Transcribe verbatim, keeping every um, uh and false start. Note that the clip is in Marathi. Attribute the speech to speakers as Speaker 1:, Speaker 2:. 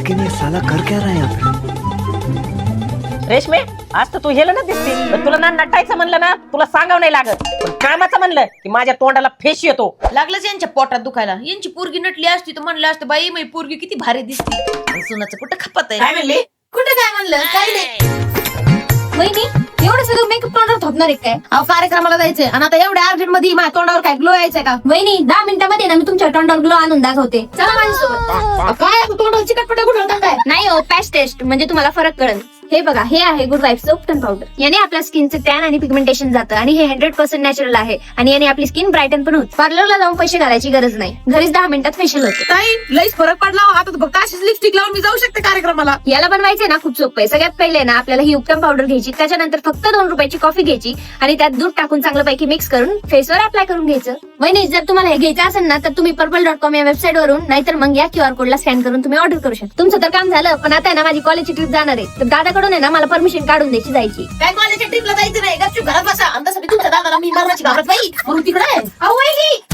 Speaker 1: लेकिन ये साला कर क्या रहा है यहाँ पे?
Speaker 2: रेशमे, आज तर तू हेलं ना दिसते. पण तुला ना नटायचं म्हणलं ना, तुला सांगावं नाही लागत. पण कामाचं म्हणलं की माझ्या तोंडाला फेस येतो.
Speaker 3: लागलंच यांच्या पोटात दुखायला. यांची पोरगी नटली असती तर म्हणलं असतं बाई माझी पोरगी किती भारी दिसते. पण सुनाचं कुठं खपत
Speaker 2: काय
Speaker 3: आहे?
Speaker 2: म्हणली?
Speaker 3: कुठं काय म्हणलं? काही नाही.
Speaker 4: वहिनी एवढं सगळं मेकअप तोंडावर थोपणार आहे काय?
Speaker 3: अहो कार्यक्रमाला जायचंय आणि आता एवढ्या अर्जंट मध्ये माझ्या तोंडावर काय ग्लो यायचंय का?
Speaker 4: वहिनी दहा मिनिटांमध्ये ना मी तुमच्या तोंडावर ग्लो आणून दाखवते. चला माझ्यासोबत.
Speaker 3: काय तोंडावर चिकटपट्या कुठं होता काय?
Speaker 4: नाही हो, पॅच टेस्ट म्हणजे तुम्हाला फरक कळेल. हे बघा, हे आहे गुड वाईफ सोप टन पावडर. याने आपल्या स्किनचे टॅन आणि पिगमेंटेशन जातं आणि हे हंड्रेड पर्सेंट नॅचरल आहे आणि याने आपली स्किन ब्राईटन पण होते. पार्लरला जाऊन पैसे घालायची गरज नाही, घरीच दहा मिनिटात फेशियल होते.
Speaker 3: ताई लईच फरक पडला हो. आता फक्त अशीच लिपस्टिक लावून मी जाऊ शकते कार्यक्रमाला.
Speaker 4: याला बनवायचंय ना खूप सोपं आहे. सगळ्यात पहिले ना आपल्याला ही उपटम पावडर घ्यायची, त्याच्यानंतर फक्त दोन रुपयाची कॉफी घ्यायची आणि त्यात दूध टाकून चांगलं पैकी मिक्स करून फेसवर अप्लाय करून घ्यायचं. वहिनी जर तुम्हाला हे घ्यायचं असेल ना तर तुम्ही पर्पल डॉट कॉम या वेबसाईट वरून नाहीतर मग या क्यूआर कोडला स्कॅन करून तुम्ही ऑर्डर करू शकता. तुमचं तर काम झालं, पण आता आहे ना माझी कॉलेजची ट्रिप जाणार आहे, तर दादाकडून आहे ना मला परमिशन काढून द्यायची जायची.
Speaker 3: काय कॉलेजच्या ट्रिपला जायचं नाही, गपचूप घरात बसा. आणि तसं मी तुमच्या दादाला मी मरणाची घाबरत बाई म्हणून तिकडे आहे.
Speaker 4: अहो वहिनी